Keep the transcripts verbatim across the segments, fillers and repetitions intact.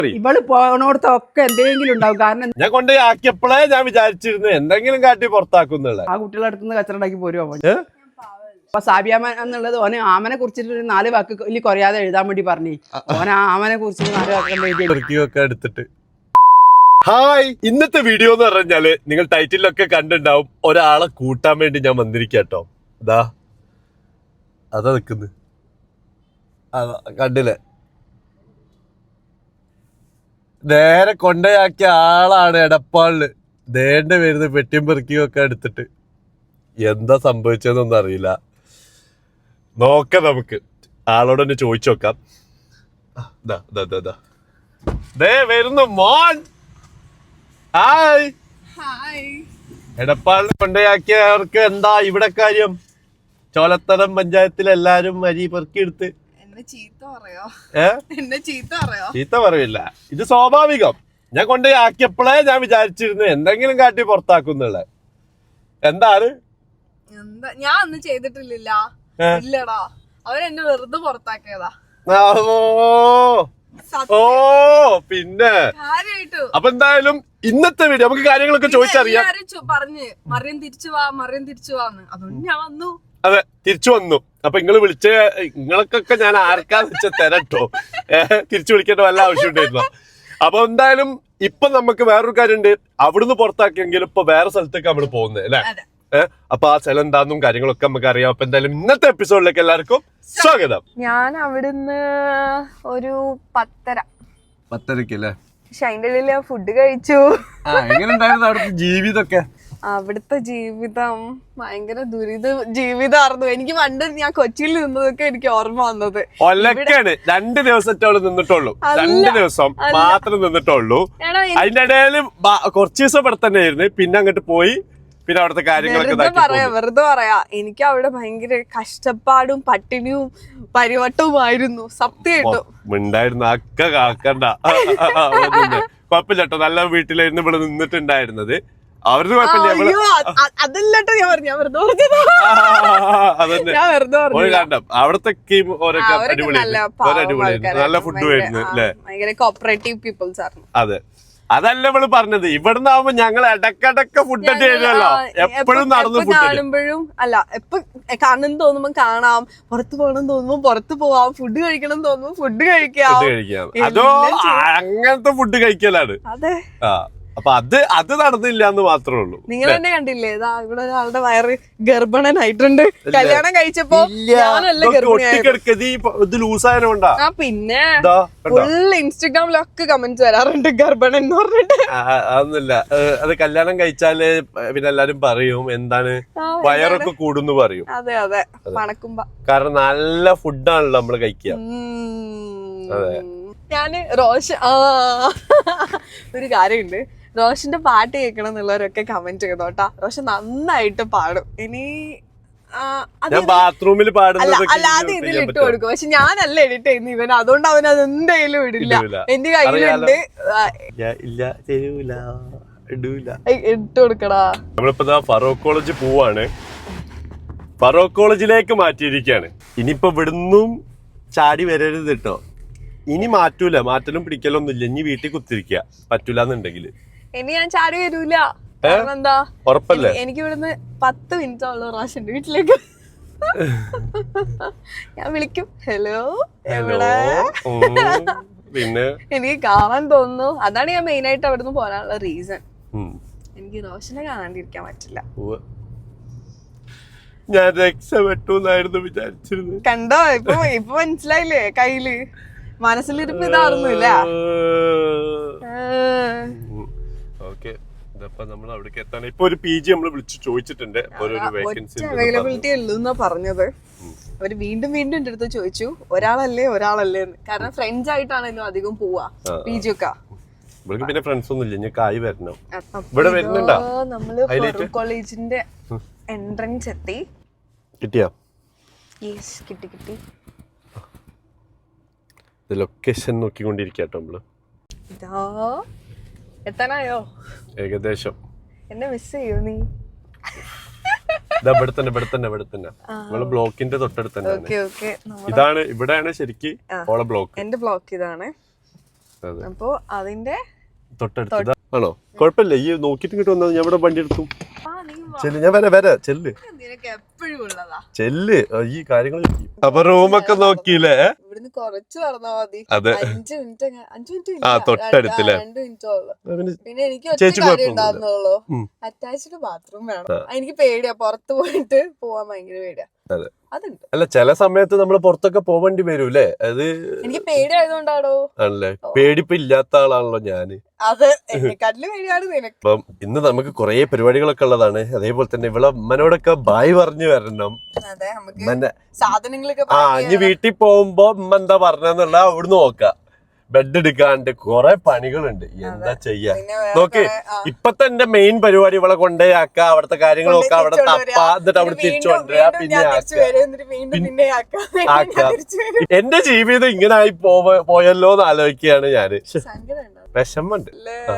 ഇവള് പോണോടത്തൊക്കെ എന്തെങ്കിലും ഉണ്ടാവും. കാരണം ഞാൻ കൊണ്ട് ആക്കിയപ്പോഴേ ഞാൻ വിചാരിച്ചിരുന്നു എന്തെങ്കിലും കാട്ടി പുറത്താക്കുന്നുള്ള. ആ കുട്ടികളുടെ അടുത്ത് നിന്ന് കച്ചറണ്ടാക്കി പോരുമോ. അപ്പൊ സാബിയാമൻ എന്നുള്ളത് ഓനെ ആമനെ കുറിച്ചിട്ട് ഒരു നാല് വാക്ക് വലിയ കുറയാതെ എഴുതാൻ വേണ്ടി പറഞ്ഞു. ഓനെ ആമനെ കുറിച്ചിട്ട് നാല് വാക്ക് എടുത്തിട്ട് ഹായ്, ഇന്നത്തെ വീഡിയോ എന്ന് പറഞ്ഞാല് നിങ്ങൾ ടൈറ്റിലൊക്കെ കണ്ടിണ്ടാവും. ഒരാളെ കൂട്ടാൻ വേണ്ടി ഞാൻ വന്നിരിക്കട്ടോ. ഇതാ അതാ നിക്കുന്നു, അതാ കണ്ടില്ലേ, നേരെ കൊണ്ടയാക്കിയ ആളാണ് എടപ്പാളില്. ദേണ്ട വരുന്ന പെട്ടിയും പെറുക്കിയും ഒക്കെ എടുത്തിട്ട് എന്താ സംഭവിച്ചതെന്നൊന്നും അറിയില്ല. നോക്കാം, നമുക്ക് ആളോട് തന്നെ ചോദിച്ചു നോക്കാം. ദേ വരുന്നു മോൻ. ഹായ്. എടപ്പാളിൽ കൊണ്ടയാക്കിയവർക്ക് എന്താ ഇവിടെ കാര്യം? ചോലത്തരം പഞ്ചായത്തിൽ എല്ലാരും അരി പെറുക്കിയെടുത്ത് ചീത്ത പറയില്ല, ഇത് സ്വാഭാവികം. ഞാൻ കൊണ്ടുപോയി ആക്കിയപ്പോഴേ ഞാൻ വിചാരിച്ചിരുന്നു എന്തെങ്കിലും കാട്ടി പുറത്താക്കുന്നുള്ള. എന്താണ് ഞാൻ ഒന്നും ചെയ്തിട്ടില്ല. ഇല്ലടാ, അവരെന്നെ വെറുതെ പുറത്താക്കിയതാ. ഓ പിന്നെ അപ്പൊ എന്തായാലും ഇന്നത്തെ വീഡിയോ നമുക്ക് കാര്യങ്ങളൊക്കെ ചോദിച്ചറിയാം. പറഞ്ഞ് മറിയം തിരിച്ചു വാ, മറിയം തിരിച്ചു വാന്ന്, അതുകൊണ്ട് ഞാൻ വന്നു. അതെ, തിരിച്ചു വന്നു. അപ്പൊ നിങ്ങള് വിളിച്ച നിങ്ങൾക്കൊക്കെ ഞാൻ ആർക്കാന്ന് വെച്ചാൽ തരട്ടോ. ഏഹ് തിരിച്ചു വിളിക്കേണ്ട വല്ല ആവശ്യം ഉണ്ടായിരുന്നോ? അപ്പൊ എന്തായാലും ഇപ്പൊ നമുക്ക് വേറൊരു കാര്യമുണ്ട്. അവിടുന്ന് പുറത്താക്കിയെങ്കിലും ഇപ്പൊ വേറെ സ്ഥലത്തേക്ക് നമ്മള് പോകുന്നത് അല്ലെ. ഏഹ് അപ്പൊ ആ സ്ഥലം എന്താന്നും കാര്യങ്ങളൊക്കെ നമുക്ക് അറിയാം. അപ്പൊ എന്തായാലും ഇന്നത്തെ എപ്പിസോഡിലേക്ക് എല്ലാവർക്കും സ്വാഗതം. ഞാൻ അവിടുന്ന് ഒരു പത്തര പത്തരക്ക് അല്ലേ? പക്ഷെ അതിന്റെ ഇടയില് ഫുഡ് കഴിച്ചു. എങ്ങനെ ഉണ്ടായിരുന്നു അവിടുത്തെ ജീവിതമൊക്കെ? അവിടുത്തെ ജീവിതം ഭയങ്കര ദുരിത ജീവിതമായിരുന്നു. എനിക്ക് പണ്ട് ഞാൻ കൊച്ചിയിൽ നിന്നതൊക്കെ എനിക്ക് ഓർമ്മ വന്നത്. ഒലക്കാണ് രണ്ട് ദിവസത്തെ അവള് നിന്നിട്ടുള്ളൂ. രണ്ട് ദിവസം മാത്രം നിന്നിട്ടുള്ളൂ. അതിന്റെ ഇടയിൽ കുറച്ച് ദിവസം ഇവിടെ തന്നെ ആയിരുന്നു. പിന്നെ അങ്ങോട്ട് പോയി പിന്നെ അവിടുത്തെ കാര്യങ്ങളൊക്കെ പറയാ വെറുതെ പറയാ. എനിക്ക് അവിടെ ഭയങ്കര കഷ്ടപ്പാടും പട്ടിണിയും പരിവട്ടവുമായിരുന്നു സത്യമായിട്ടും. ഉണ്ടായിരുന്നു അക്ക കാക്കണ്ട, കുഴപ്പമില്ലട്ടോ. നല്ല വീട്ടിലായിരുന്നു ഇവിടെ നിന്നിട്ടുണ്ടായിരുന്നത്. അവരുടെ കുഴപ്പമില്ല. അതല്ലോ ഞാൻ പറഞ്ഞു, ഞാൻ വെറുതെ പറഞ്ഞത്. അവിടത്തെ നല്ല ഫുഡ് ആയിരുന്നു അല്ലേ? ഭയങ്കര കോപ്പറേറ്റീവ് പീപ്പിൾസ് ആയിരുന്നു. അതെ, അതല്ല നമ്മള് പറഞ്ഞത്. ഇവിടുന്ന് ആവുമ്പോ ഞങ്ങൾ ഇടക്കിടക്ക് ഫുഡ് അടി ചെയ്യുമല്ലോ. എപ്പോഴും നടന്നു കാണുമ്പോഴും അല്ല, എപ്പൊ കാണണം തോന്നുമ്പോ കാണാം, പുറത്ത് പോകണം തോന്നുമ്പോ പുറത്ത് പോവാം, ഫുഡ് കഴിക്കണം തോന്നുമ്പോ ഫുഡ് കഴിക്കാം. അതോ അങ്ങനത്തെ ഫുഡ് കഴിക്കലാണ്. അതെ. ആ അപ്പൊ അത് അത് നടന്നില്ല എന്ന് മാത്രമേ ഉള്ളൂ. നിങ്ങൾ തന്നെ കണ്ടില്ലേ, ഇതാ ഇവിടെ ഒരാളുടെ വയറ് ഗർഭിണനായിട്ടുണ്ട്. കല്യാണം കഴിച്ചപ്പോ ലൂസായതുകൊണ്ടാ. പിന്നെ ഫുൾ ഇൻസ്റ്റഗ്രാമിലൊക്കെ കമന്റ്സ് വരാറുണ്ട് ഗർഭിണൻ എന്ന് പറഞ്ഞിട്ട്. അതൊന്നുമില്ല, അത് കല്യാണം കഴിച്ചാല് പിന്നെ എല്ലാരും പറയും എന്താണ് വയറൊക്കെ കൂടുന്നു പറയും. അതെ അതെ, പണക്കുമ്പോ. കാരണം നല്ല ഫുഡാണല്ലോ നമ്മള് കഴിക്കുക. അതെ. ഞാന് റോഷൻ ആ ഒരു കാര്യമുണ്ട്, റോഷന്റെ പാട്ട് കേൾക്കണം എന്നുള്ളവരൊക്കെ കമന്റ് ചെയ്തോട്ടാ. റോഷൻ നന്നായിട്ട് പാടും. ഇനി ബാത്റൂമിൽ അല്ലാതെ ഇതിൽ ഇട്ട് കൊടുക്കും. പക്ഷെ ഞാനല്ല എഡിറ്റ് ചെയ്യുന്ന ഇവൻ, അതുകൊണ്ട് അവൻ അത് എന്തായാലും ഇടില്ല. എന്റെ കയ്യിലുണ്ട്, ഇട്ട് കൊടുക്കടാ. നമ്മളിപ്പോ ഫറൂഖ് കോളേജ് പോവാണ്. ഫറൂഖ് കോളേജിലേക്ക് മാറ്റിയിരിക്കാണ്. ഇനിയിപ്പോ ഇവിടുന്നും ചാടി വരരുത് കേട്ടോ. ഇനി മാറ്റൂല, മാറ്റലും പിടിക്കലൊന്നും ഇല്ല. ഇനി വീട്ടിൽ കുത്തിരിക്ക പറ്റൂലെന്നുണ്ടെങ്കിൽ ഇനി ഞാൻ ചാടി വരൂല. എന്താ ഉറപ്പല്ലേ? എനിക്ക് ഇവിടുന്ന് പത്ത് മിനിറ്റ് ഉള്ളു റോഷന്റെ വീട്ടിലേക്ക്. ഞാൻ വിളിക്കും, ഹലോ എവിടെ, പിന്നെ എനിക്ക് കാണാൻ തോന്നുന്നു. അതാണ് ഞാൻ മെയിൻ ആയിട്ട് അവിടുന്ന് പോകാനുള്ള റീസൺ. എനിക്ക് റോഷനെ കാണാണ്ടിരിക്കാൻ പറ്റില്ല. ഞാൻ രക്ഷപ്പെട്ടു വിചാരിച്ചിരുന്നു. കണ്ടോ, ഇപ്പൊ ഇപ്പൊ മനസ്സിലായില്ലേ? കയ്യില് മനസ്സിലിരിപ്പ് ഇതായിരുന്നില്ല. അവൈലബിലിറ്റി ഉള്ളൂന്നാ പറഞ്ഞത്. അവര് വീണ്ടും വീണ്ടും എന്റെ അടുത്ത് ചോദിച്ചു ഒരാളല്ലേ ഒരാളല്ലേ എന്ന്. കാരണം ഫ്രണ്ട്സ് ആയിട്ടാണല്ലോ അധികം പോവാ പി ജി ഒക്കെ. പിന്നെ ഫ്രണ്ട്സ് ഒന്നും ഇല്ല, നമ്മള് ഫറൂഖ് കോളേജിന്റെ എൻട്രൻസ് എത്തി. കിട്ടിയാ? യെസ്, കിട്ടി കിട്ടി. ലൊക്കേഷൻ നോക്കിക്കൊണ്ടിരിക്കട്ടോ നമ്മള്. ഇതാ എത്താനായോ? ഏകദേശം. എന്നെ മിസ് ചെയ്യോ നീ? ഇവിടെ തന്നെ ഇവിടെ തന്നെ ഇവിടെ തന്നെ നമ്മള് ബ്ലോക്കിന്റെ തൊട്ടടുത്ത് തന്നെ. ഇതാണ്, ഇവിടെയാണ് ശരിക്കും ഓളെ ബ്ലോക്ക്. എന്റെ ബ്ലോക്ക് ഇതാണ്. അപ്പൊ അതിന്റെ തൊട്ടടുത്ത് ആണോ? കുഴപ്പമില്ല, ഈ നോക്കിട്ട് ഇങ്ങോട്ട് വന്നത് ഞാൻ ഇവിടെ വണ്ടി എടുത്തു. ആ, നീ വാ. ചെല്ല്, ഞാൻ വരാം വരാം ചെല്ല് നിനക്ക് എപ്പോഴും ഉള്ളതാ. ചെല്ല്. ഈ കാര്യങ്ങൾ അപ്പൊ റൂമൊക്കെ നോക്കിയില്ലേ? ഇവിടുന്ന് കുറച്ച് നടന്നാ മതി. അതെ. അഞ്ച് മിനിറ്റ് അഞ്ചു മിനിറ്റ് ആ, തൊട്ടടുത്തില്ലേ? രണ്ട് മിനിറ്റേ ഉള്ളു. പിന്നെ പിന്നെ എനിക്ക് ഒറ്റ ചേച്ചി കാര്യം കുഴപ്പമൊന്നുമില്ല. ഉണ്ടാകുന്നുള്ളൂ, ഉം. അറ്റാച്ച്ഡ് ബാത്റൂം വേണം. എനിക്ക് പേടിയാ പുറത്ത് പോയിട്ട് പോവാൻ ഭയങ്കര പേടിയാ. അതെ. അതുണ്ട്. അല്ല, ചില സമയത്ത് നമ്മള് പുറത്തൊക്കെ പോവേണ്ടി വരൂലേ? അത് എനിക്ക് പേടിയായതുകൊണ്ടാണോ? ആണല്ലേ? പേടിപ്പ് ഇല്ലാത്ത ആളാണല്ലോ ഞാന്. അത് എന്നെക്കാട്ടില് പേടിയാണ് നിനക്ക്. അപ്പം ഇന്ന് നമുക്ക് കുറെ പരിപാടികളൊക്കെ ഉള്ളതാണ്. അതേപോലെ തന്നെ ഇവിടെ അമ്മനോടൊക്കെ ബായ് പറഞ്ഞു വരണം. അതെ, നമുക്ക് ഉമ്മന്റെ സാധനങ്ങളൊക്കെ ആ pack ഇനി ചെയ്യണം. വീട്ടിൽ പോകുമ്പോ ഉമ്മ എന്താ പറഞ്ഞെന്നുള്ള അവിടുന്ന് നോക്കാം. ബെഡ് എടുക്കാണ്ട് കുറെ പണികളുണ്ട്. എന്താ ചെയ്യാ പിന്നെ വേറെ നോക്ക്. കുറെ, ആ. ഇപ്പത്തെ എന്റെ മെയിൻ പരിപാടി ഇവിടെ കൊണ്ടേയാക്ക, അവിടുത്തെ കാര്യങ്ങൾ നോക്കാം, അവിടെ തിരിച്ച് തപ്പ, കൊണ്ടുവരിക. എന്നിട്ട് അവിടെ പിന്നെ തിരിച്ചു വീണ്ടും- കൊണ്ടുവരാ, വീണ്ടും പിന്നെ ഞാൻ ആക്ക. തിരിച്ച് വരും, എന്നിട്ട് വീണ്ടും പിന്നെ ആക്കാം. വീണ്ടും ആക്ക. ഞാൻ തിരിച്ച് വരും. എന്റെ ജീവിതം ഇങ്ങനെ ആയി പോവ പോയല്ലോ എന്ന് ആലോചിക്കുകയാണ് ഞാന്. ശ്ശെ, സങ്കടം ഉണ്ടോ? വിഷമുണ്ട്. അല്ലേ? ആ.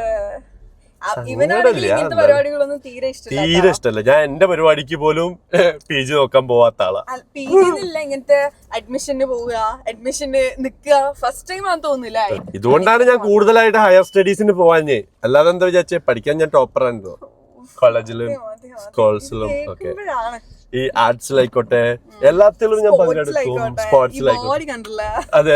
ആ, ഇവനാണെങ്കിൽ സങ്കടമില്ല, ഇങ്ങനത്തെ എന്നാലും. പരിപാടികളൊന്നും തീരെ ഇഷ്ടമില്ല. തീരെ ഇഷ്ടമല്ല. ഞാൻ എന്റെ പരിപാടിക്ക് പോലും പി ജി നോക്കാൻ പോവാത്ത ആളാ. പി ജിന്നില്ല, ഇങ്ങനത്തെ അഡ്മിഷന് പോവുക, അഡ്മിഷന് നിക്കുക, ഫസ്റ്റ് ടൈം ആണെന്ന് തോന്നുന്നില്ല. ഇതുകൊണ്ടാണ് ഞാൻ കൂടുതലായിട്ട് ഹയർ സ്റ്റഡീസിന് പോവാഞ്ഞേ. അല്ലാതെ എന്താ വിചാരിച്ചേ, പഠിക്കാൻ ഞാൻ ടോപ്പർ ആണല്ലോ കോളേജിലും സ്കൂൾസിലും ഒക്കെ. ഈ ആർട്സിലായിക്കോട്ടെ എല്ലാത്തിലും ഞാൻ പങ്കെടുക്കും. സ്പോർട്സിലായിക്കോട്ടെ. ബോഡി കണ്ടില്ല, അതെ.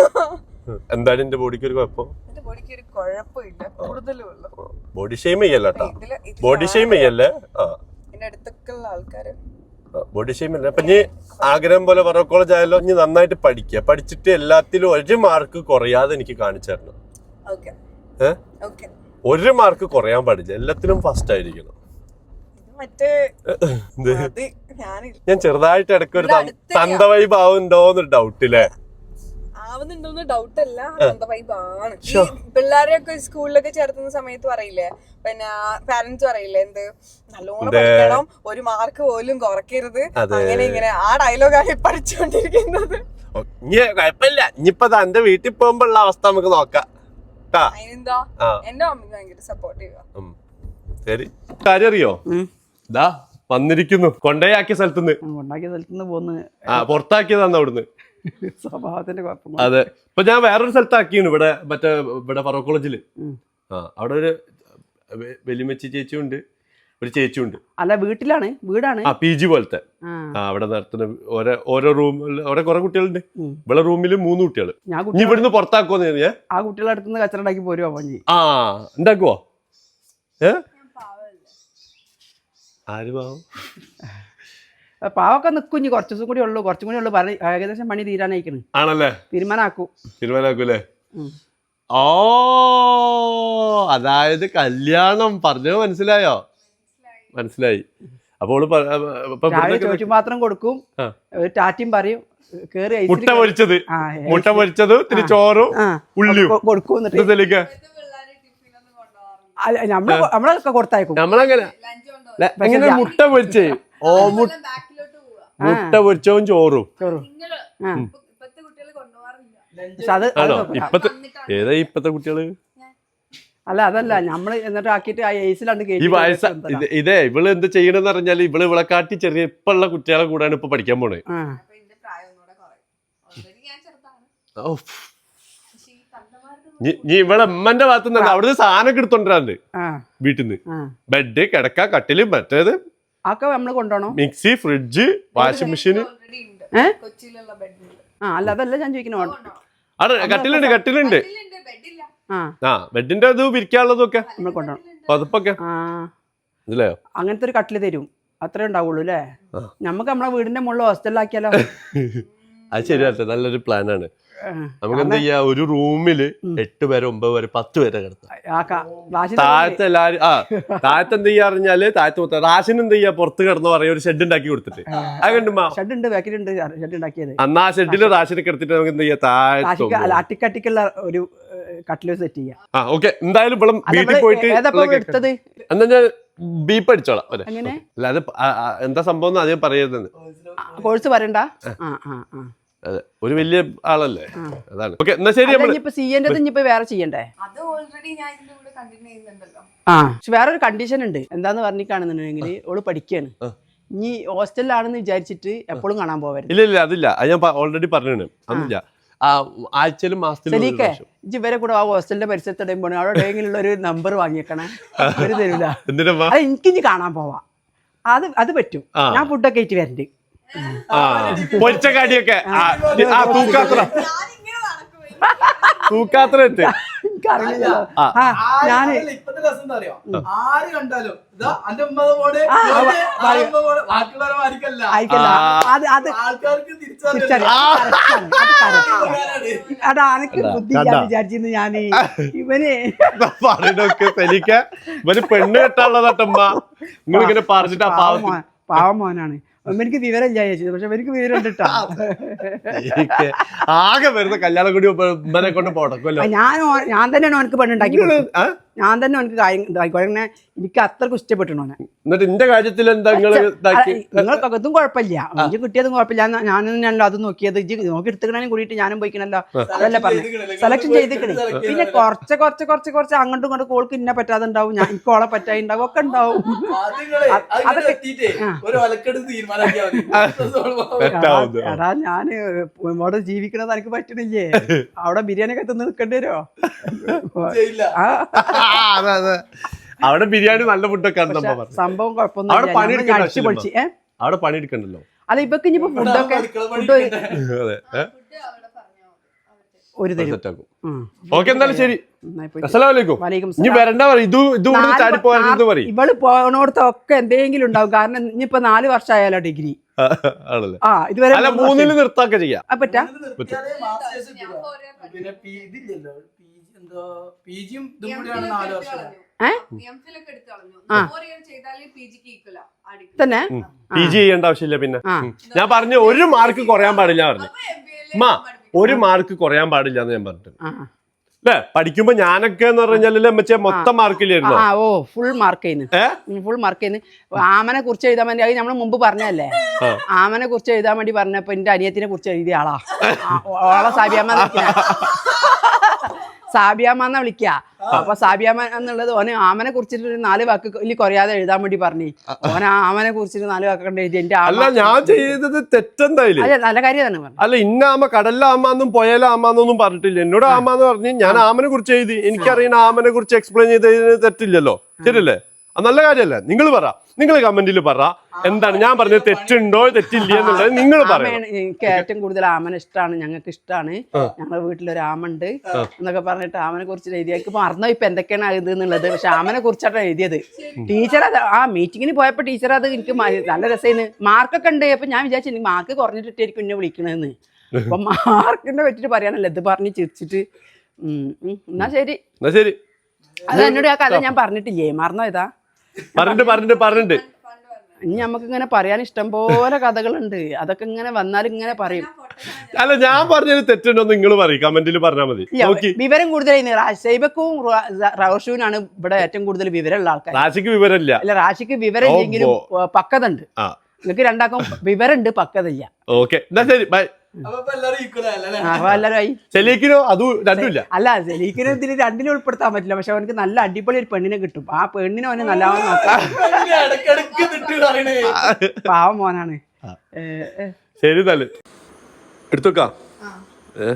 എന്താണ് എന്റെ ബോഡിക്ക് ഒരു കുഴപ്പം? എന്റെ ബോഡിക്ക് ഒരു കുഴപ്പമില്ല, കൂടുതലും ഉള്ളു. ബോഡി ഷെയിം ചെയ്യല്ല കേട്ടോ. ഇതില് ഇതില് ബോഡി ഷെയിം ചെയ്യല്ലേ? ആ എന്റെ അടുത്തൊക്കെ ഉള്ള ആൾക്കാര് ബോഡി ഷെയിം അല്ല. അപ്പൊ ഇനി ആഗ്രഹം പോലെ ഫറോ കോളേജ് ആയാലോ, ഇനി നന്നായിട്ട് പഠിക്കുക. പഠിച്ചിട്ട് എല്ലാത്തിലും ഒരു മാർക്ക് കുറയാതെ എനിക്ക് കാണിച്ചു തരണം. ഓക്കെ ഏഹ് ഓക്കെ. ഒരു മാർക്ക് കുറയാൻ പാടില്ല, എല്ലാത്തിലും ഫസ്റ്റ് ആയിരിക്കണം. മറ്റേ എന്ത്? അത് ഞാനില്ല ഞാൻ ചെറുതായിട്ട് ഇടയ്ക്ക് ഒരു ഇവിടെ അടുത്തന്നെയാ. തന്ത വൈബ് ആവുന്നുണ്ടോന്നൊരു ഡൗട്ട് ഇല്ലേ? ആവുന്നുണ്ടോന്ന് ഡൗട്ട് അല്ല, എന്താ വൈബാണ്. ഈ പിള്ളേരെയൊക്കെ സ്കൂളിലൊക്കെ ചേർത്തുന്ന സമയത്ത് പറയില്ലേ, പിന്നെ പാരന്റ്സ് പറയില്ലേ, എന്ത് നല്ലോണം പഠിക്കണം, ഒരു മാർക്ക് പോലും കുറയ്ക്കരുത്, അങ്ങനെ ഇങ്ങനെ. ആ ഡയലോഗാണ് പഠിച്ചുകൊണ്ടിരിക്കുന്നത്. ഇനി കുഴപ്പമില്ല, ഇനിയിപ്പോ എന്റെ വീട്ടിൽ പോകുമ്പോ ഉള്ള അവസ്ഥ നമുക്ക് നോക്കാം. അതിനെന്താ, എന്റെ മമ്മി ഭയങ്കര സപ്പോർട്ടീവാ. ശരി. കാര്യം അറിയോ? ഇതാ വന്നിരിക്കുന്നു, കൊണ്ടേയാക്കിയ സ്ഥലത്തുനിന്ന്. ഉണ്ടാക്കിയ സ്ഥലത്തുനിന്ന് പോന്ന് ആ പുറത്താക്കിയതാന്ന് അവിടുന്ന്. സ്വഭാവത്തിന്റെ കുഴപ്പം. അതെ. ഇപ്പൊ ഞാൻ വേറൊരു സ്ഥലത്താക്കിയാണ്, ഇവിടെ മറ്റേ ഇവിടെ ഫറോ കോളേജില്. ആ അവിടെ ഒരു വലിയമ്മച്ചി ചേച്ചിയും ഉണ്ട്, ഒരു ചേച്ചിയും ഉണ്ട്. അല്ല, വീട്ടിലാണ്, വീടാണ്. ആ പി ജി പോലത്തെ. ആ അവിടെ നടത്തുന്ന ഓരോ ഓരോ റൂമിൽ ഓരോ കുറെ കുട്ടികളുണ്ട്. ഇവിടെ റൂമിൽ മൂന്ന് കുട്ടികൾ. ഇനി ഇവിടുന്ന് പുറത്താക്കുവോ ഞാൻ? ആ കുട്ടികളെ അടുത്തുനിന്ന് കച്ചറ ഉണ്ടാക്കി പോരുവാ പഞ്ഞി. ആ ഉണ്ടാക്കുവോ? ഏ ആര് പാവം? പാവൊക്കെ നിക്കും. ഇനി കുറച്ചു ദിവസം കൂടി ഉള്ളു, കുറച്ചും കൂടി ഉള്ളു. പറഞ്ഞ ഏകദേശം പണി തീരാനായിക്കണ്. ആണല്ലേ? തീരുമാനാക്കൂ. തീരുമാനാക്കൂലേ? ഓ അതായത് കല്യാണം പറഞ്ഞത് മനസ്സിലായോ? മനസ്സിലായി. അപ്പോൾ ചോദിച്ചു മാത്രം കൊടുക്കും, ഒരു ടാറ്റയും പറയും, കേറി മുട്ട പൊരിച്ചത് മുട്ട പൊരിച്ചത് ഇത്തിരി ചോറും ഉള്ളിയും കൊടുക്കും. നമ്മള് നമ്മളൊക്കെ കൊടുത്തയക്കും. നമ്മളങ്ങനെ എങ്ങനെ മുട്ട പൊരിച്ചേ? ഓ മുട്ട പൊരിച്ചവും ചോറും. ആണോ? ഇപ്പത്തെ ഏതാ ഇപ്പത്തെ കുട്ടികള്? അല്ല അതല്ല, നമ്മള് എന്നിട്ട് ആക്കിയിട്ട് ആ ഏസിലാണ് ഈ വയസ്സ ഇതേ ഇവള് എന്ത് ചെയ്യണെന്ന് പറഞ്ഞാല് ഇവള് ഇവളെ കാട്ടി ചെറിയ ഇപ്പൊ ഉള്ള കുട്ടികളെ കൂടാണ് ഇപ്പൊ പഠിക്കാൻ പോണേ. നീ ഇവിടെ ഉമ്മന്റെ ഭാഗത്ത് നിന്ന് അവിടുന്ന് സാധനം എടുത്തോണ്ടിരാണ്ട് വീട്ടിൽ നിന്ന്. ബെഡ്, കിടക്ക, കട്ടില്, മറ്റേത് ഒക്കെ നമ്മള് കൊണ്ടുപോകണം. Mixie, fridge, washing machine. ആ അല്ല അതല്ല ഞാൻ ചോദിക്കണോ. അവിടെ കട്ടിലുണ്ട് കട്ടിലുണ്ട് ആ ബെഡിന്റെ അത് വിരിക്കാനുള്ളതും ഒക്കെ നമ്മൾ കൊണ്ടുപോകണം. പതുപ്പൊക്കെ ഇതിലെയോ അങ്ങനത്തെ ഒരു കട്ടില് തരും, അത്രേ ഉണ്ടാവുള്ളൂ അല്ലേ? നമുക്ക് നമ്മളെ വീടിന്റെ മുകളിൽ ഹോസ്റ്റലിലാക്കിയാലോ? അത് ശരിയല്ലേ, നല്ലൊരു പ്ലാനാണ്. നമുക്ക് എന്താ ചെയ്യാ, ഒരു റൂമില് എട്ട് പേരെ ഒമ്പത് പേരെ പത്ത് പേരെ കിടത്താം. താഴത്തെ എല്ലാരും ആ താഴത്തെ എന്ത് ചെയ്യാ അറിഞ്ഞാല് താഴത്ത് മൊത്തം റാഷൻ എന്ത് ചെയ്യാ പുറത്ത് കിടന്ന് പറയാ, ഒരു ഷെഡ് ഉണ്ടാക്കി കൊടുത്തിട്ട്. ഷെഡ് ഉണ്ട്, ബാക്കിലുണ്ട് ഷെഡ് ഉണ്ടാക്കിയത്. അന്നാ ആ ഷെഡില് റാഷൻ കിടത്തിട്ട് നമുക്ക് എന്ത് ചെയ്യാ, താഴത്ത് അട്ടിക്കട്ടിക്കുള്ള ഒരു കട്ടില് സെറ്റ് ചെയ്യാം. ആ ഓക്കെ. എന്തായാലും ഇവിടെ വീട്ടിൽ പോയിട്ട് എടുത്തത് എന്നാ ഞാൻ ബീപ്പ് അടിച്ചോളാം. എങ്ങനെ അല്ലാതെ എന്താ സംഭവം അധികം പറയരുതെന്ന്. കോഴ്സ് പറയണ്ട. അതെ, ഒരു വലിയ ആളല്ലേ, അതാണ്. ഓക്കെ എന്നാ ശരി. ഇപ്പൊ സി എന്റെ ഇനിയിപ്പോ വേറെ ചെയ്യണ്ടേ? അത് ഓൾറെഡി ഞാൻ ഇതിന്റെ കൂടെ കണ്ടിന്യൂ ചെയ്യുന്നുണ്ടല്ലോ. ആ പക്ഷെ വേറൊരു കണ്ടീഷൻ ഉണ്ട്. എന്താന്ന് പറഞ്ഞിട്ടാണെന്നുണ്ടെങ്കിൽ ഓള് പഠിക്കാണ്. ഇനി ഹോസ്റ്റലിലാണെന്ന് വിചാരിച്ചിട്ട് എപ്പോഴും കാണാൻ പോവരുത്. ഇല്ല ഇല്ല അതില്ല, അത് ഞാൻ ഓൾറെഡി പറഞ്ഞു. അതൊന്നുമില്ല. ആ ആഴ്ചയിലും മാസത്തിലും ഒരു ശരിക്കേ പ്രാവശ്യം. ഇജ്ജ് ഇവരെ കൂടെ ആ ഹോസ്റ്റലിന്റെ പരിസരത്ത് ഇടുമ്പോൾ അവിടെ എവിടെയെങ്കിലും ഒരു നമ്പർ വാങ്ങിയേക്കണേ ഒരു തരൂല എന്തിനാ അത് എനിക്ക് ഇനി കാണാൻ പോവാ അത് അത് പറ്റും ഞാൻ ഫുഡൊക്കെ ആയിട്ട് വരണ്ട് ആ പൊരിച്ച കാടിയൊക്കെ ആ ആ, തൂക്കാത്ര തൂക്കാത്ര എത്ത് എനിക്കറിയില്ല ആ ഞാന് ഇപ്പത്തെ രസം എന്താ അറിയോ ആര് കണ്ടാലും ഇതാ അന്റെ ഉമ്മ പോലെ ബാക്കിയുള്ളവരെ മാരിക്കല്ല ആയിക്കല്ല അത് അത് ആൾക്കാർക്ക് തിരിച്ചറിയാം തിരിച്ചറിയാം. അത് correct ആണ്. അതാ അനക്ക് ബുദ്ധി ഇല്ലാന്ന് വിചാരിച്ചിരുന്നു ഞാന് ഇവന് പറയണൊക്കെ ശരിക്ക ഇവന് പെണ്ണ് കെട്ടാനുള്ളതാട്ടമ്മ നിങ്ങൾ ഇങ്ങനെ പറഞ്ഞിട്ട് ആ പാവം പാവം മോൻ- പാവം മോനാണ് എനിക്ക് വിവരം ഇല്ല ചേച്ചി പക്ഷെ എനിക്ക് വിവരം ഉണ്ട് ട്ടാ. ശരിക്ക് ആകെ വരുന്ന കല്യാണം കൂടി ഉമ്മനെ കൊണ്ട് പോടക്കുമല്ലോ ഞാൻ ഓ- ഞാൻ തന്നെയാണ് അവനക്ക് പെണ്ണുണ്ടാക്കി കൊടുത്തത്. ആ? ഞാൻ തന്നെ അവനക്ക് കാര്യം ഇതാക്കി അങ്ങനെ എനിക്ക് അത്രക്ക് ഇഷ്ടപ്പെട്ടു ഓനെ എന്നിട്ട് ഇന്റെ കാര്യത്തിൽ എന്താ നിങ്ങള് ഇതാക്കി നിങ്ങൾക്കൊക്കെ ഇതും കുഴപ്പമില്ല ഇജ്ജ് കിട്ടിയതും കുഴപ്പമില്ല ഞാൻ ഞാൻ തന്നെയാണല്ലോ അത് നോക്കിയത് ഇജ്ജ് നോക്കി എടുത്തുക്കണേനും കൂടിയിട്ട് ഞാനും പോയിക്കണല്ലോ അതല്ല പറഞ്ഞു സെലക്ഷൻ ചെയ്തിക്കണേ പിന്നെ കുറച്ച് കുറച്ച് കുറച്ച് കുറച്ച് അങ്ങോട്ടും ഇങ്ങോട്ടും കോൾക്ക് ഇന്നെ പറ്റാതെ ഉണ്ടാവും ഞാൻ എനിക്ക് ഓളെ പറ്റായി ഉണ്ടാവും ഒക്കെ ഉണ്ടാവും അതൊക്കെ എത്തിയിട്ടേ ഒരു ഒലക്കെടുത്ത് തീരുമാനാക്കിയാ മതി തെറ്റാവുന്നു. എടാ ഞാന് ഇവിടെ ജീവിക്കണത് എനിക്ക് പറ്റണില്ലേ അവിടെ ബിരിയാണി ഒക്കെ തിന്ന് നിൽക്കേണ്ടി വരുമോ ചെയ്യില്ല ആ ആ, അതെ, അതെ. അവിടെ ബിരിയാണി നല്ല ഫുഡൊക്കെ ആണ് നമ്മ പറഞ്ഞത്. സംഭവം അവിടെ കുഴപ്പമൊന്നും പണിയെടുക്കണ്ട അടിച്ചു ആവശ്യമില്ല. പൊളിച്ച് ഏ അവിടെ പണിയെടുക്കണ്ടല്ലോ. അല്ല ഇപ്പൊക്കെ ഇനിയിപ്പോ ഫുഡൊക്കെ ഫുഡ് അതെ ഏ? ഒരു തരും സെറ്റാക്കും. ഓക്കെ എന്തായാലും ശരി. നന്നായി പോയി. അസ്സലാമു അലൈക്കും. വലൈക്കും ഇനി വരണ്ട പറയും ഇത് ഇത് നാല് ചാടി പോയത് പറയും ഇവള് പോണോടത്തൊക്കെ എന്തെങ്കിലും ഉണ്ടാവും കാരണം ഇനിയിപ്പോ നാല് വർഷമായാലോ ഡിഗ്രി ആണല്ലേ. ആ ഇതുവരെ അല്ല മൂന്ന് മൂന്നില് നിർത്താക്കെ ചെയ്യാം. വർഷം. ആ, പറ്റാ നിർത്തിയാലേ മാസ്റ്റേഴ്സ് കിട്ടുക. പിന്നെ പി ഇതില്ലല്ലോ പി ജി എന്തോ പി ജിയും ഇതും കൂടിയാണ് നാല് വർഷം ഏ ആ. തന്നെ പി ജി ചെയ്യേണ്ട ആവശ്യമില്ല. പിന്നെ ആ ഞാൻ പറഞ്ഞു ഒരു മാർക്ക് കുറയാൻ പാടില്ല പറഞ്ഞു. മാ ഒരു മാർക്ക് കുറയാൻ പാടില്ല എന്ന് ഞാൻ പറഞ്ഞു ആ അല്ലേ. പഠിക്കുമ്പോ ഞാനൊക്കെ എന്ന് പറഞ്ഞാലല്ലേ മറ്റേ മൊത്തം മാർക്കില്ലായിരുന്നോ? ആ ഓ ഫുൾ മാർക്ക് ചെയ്യുന്നു ഏ ഫുൾ മാർക്ക് ചെയ്യുന്നു ആമനെ കുറിച്ച് എഴുതാൻ വേണ്ടി അത് നമ്മൾ മുമ്പ് പറഞ്ഞല്ലേ ആ. ആമനെ കുറിച്ച് എഴുതാൻ വേണ്ടി പറഞ്ഞപ്പോ എന്റെ അനിയത്തിനെ കുറിച്ച് എഴുതിയ ആളാ ആ, ഓളെ സാബിയാമ്മ വിളിക്കുന്ന സാബിയാമ്മ എന്നാ വിളിക്കുക അപ്പൊ സാബിയാമ്മ എന്നുള്ളത് ഓന് ആമനെ കുറിച്ചിട്ട് ഒരു നാല് വാക്ക് ഇല്ല കുറയാതെ എഴുതാൻ വേണ്ടി പറഞ്ഞു ഓൻ ആ ആമനെ കുറിച്ചിട്ട് നാല് വാക്ക് കണ്ട് എഴുതി എന്റെ അല്ല ആമ ഞാൻ ചെയ്തത് തെറ്റെന്തായാലും. അതെ നല്ല കാര്യമാണ് പറഞ്ഞു അല്ല ഇന്ന ആമ കടലിലെ ആമാന്നും പുഴയിലെ ആമാന്നൊന്നും പറഞ്ഞിട്ടില്ല. എന്നോട് ആമാന്ന് പറഞ്ഞ് ഞാൻ ആമനെ കുറിച്ച് എഴുതി. എനിക്കറിയുന്ന ആമനെ കുറിച്ച് എക്സ്പ്ലെയിൻ ചെയ്തതിന് തെറ്റില്ലല്ലോ. ശരിയല്ലേ? അത് നല്ല കാര്യമല്ലേ? നിങ്ങൾ പറ, നിങ്ങൾ കമന്റിൽ പറ എന്താണ് ഞാൻ പറഞ്ഞത് തെറ്റുണ്ടോ തെറ്റില്ല എന്നുള്ളത് നിങ്ങൾ പറയണം. ആമയാണ് എനിക്ക് ഏറ്റവും കൂടുതൽ ആമനെ ഇഷ്ടമാണ് ഞങ്ങൾക്ക് ഇഷ്ടമാണ് ഞങ്ങളുടെ വീട്ടിലൊരു ആമുണ്ട് എന്നൊക്കെ പറഞ്ഞിട്ട് ആമനെ കുറിച്ച് എഴുതിയാൽ മറന്നോ ഇപ്പൊ എന്തൊക്കെയാണ് ഇത് എന്നുള്ളത് പക്ഷെ ആമനെ കുറിച്ചാണ് എഴുതിയത്. ടീച്ചർ അത് ആ മീറ്റിങ്ങിന് പോയപ്പോ ടീച്ചർ അത് എനിക്ക് മ- നല്ല രസമായിരുന്നു. മാർക്കൊക്കെ ഉണ്ട് അപ്പൊ ഞാൻ വിചാരിച്ചു എനിക്ക് മാർക്ക് കുറഞ്ഞിട്ടായിരിക്കും എന്നെ വിളിക്കണെന്ന്. അപ്പൊ മാർക്കിനെ പറ്റിട്ട് പറയാനല്ലേ ഇത് പറഞ്ഞ് ചിരിച്ചിട്ട് ഉം ഉം. എന്നാ ശരി എന്നാ ശരി. അത് എന്നോട് ആ കഥ ഞാൻ പറഞ്ഞിട്ടില്ലേ മറന്നോ ഇതാ പറഞ്ഞിട്ട് പറഞ്ഞിട്ട് പറഞ്ഞിട്ട് ഇനി നമുക്ക് ഇങ്ങനെ പറയാൻ ഇഷ്ടം പോലെ കഥകളുണ്ട് അതൊക്കെ ഇങ്ങനെ വന്നാൽ ഇങ്ങനെ പറയും. അല്ല ഞാൻ പറഞ്ഞത് തെറ്റുണ്ടോ നിങ്ങൾ പറയും കമന്റിൽ പറഞ്ഞാൽ മതി. ഇല്ല, നോക്കി വിവരം കൂടുതൽ ഷൈബക്കും റോഷുവിനാണ് ഇവിടെ ഏറ്റവും കൂടുതൽ വിവരമുള്ള ആൾക്കാർ. റാശിക്ക് വിവരമില്ല. അല്ല റാഷിക്ക് വിവരം ഇല്ലെങ്കിലും പക്വത ഉണ്ട്. ആ നിങ്ങൾക്ക് രണ്ടാക്കും വിവരമുണ്ട് പക്വതയില്ല. ഓക്കെ എന്നാ ശരി ബൈ. അപ്പൊ ഇപ്പൊ എല്ലാരും ഈക്വൽ അല്ലേ അപ്പൊ എല്ലാവരും ആയി ശരിക്കിനോ അതും രണ്ടുമില്ല. അല്ല സെലീക്കിന് ഇതിൽ രണ്ടിലും ഉൾപ്പെടുത്താൻ പറ്റില്ല പക്ഷെ അവനക്ക് നല്ല അടിപൊളി ഒരു പെണ്ണിനെ കിട്ടും. ആ പെണ്ണിനെ അവന് നല്ലവണ്ണം നോക്കാം. ഇടക്കിടക്ക് തിട്ട് പറയണേ പാവം മോനാണ്. ഏ, ഏ. ശരി തല് എടുത്തോക്കാം. ഏ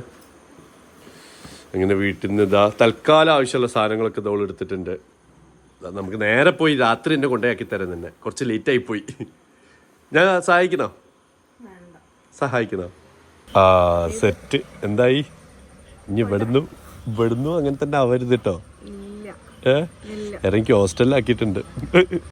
അങ്ങനെ വീട്ടിൽ നിന്ന് ഇതാ തൽക്കാലം ആവശ്യമുള്ള സാധനങ്ങളൊക്കെ ഇതോൾ എടുത്തിട്ടുണ്ട്. ദാ നമുക്ക് നേരെ പോയി രാത്രി എന്നെ കൊണ്ടേയാക്കി തരാൻ തന്നെ കുറച്ച് ലേറ്റ് ആയി പോയി. ഞാൻ സഹായിക്കണോ സഹായിക്കണോ ആ സെറ്റ് എന്തായി ഇനി ഇവിടുന്നു ഇവിടുന്നു അങ്ങനെ തന്നെ ആവരുത് കേട്ടോ. ഏ ഇറങ്ങി ഹോസ്റ്റലിലാക്കിയിട്ടുണ്ട്.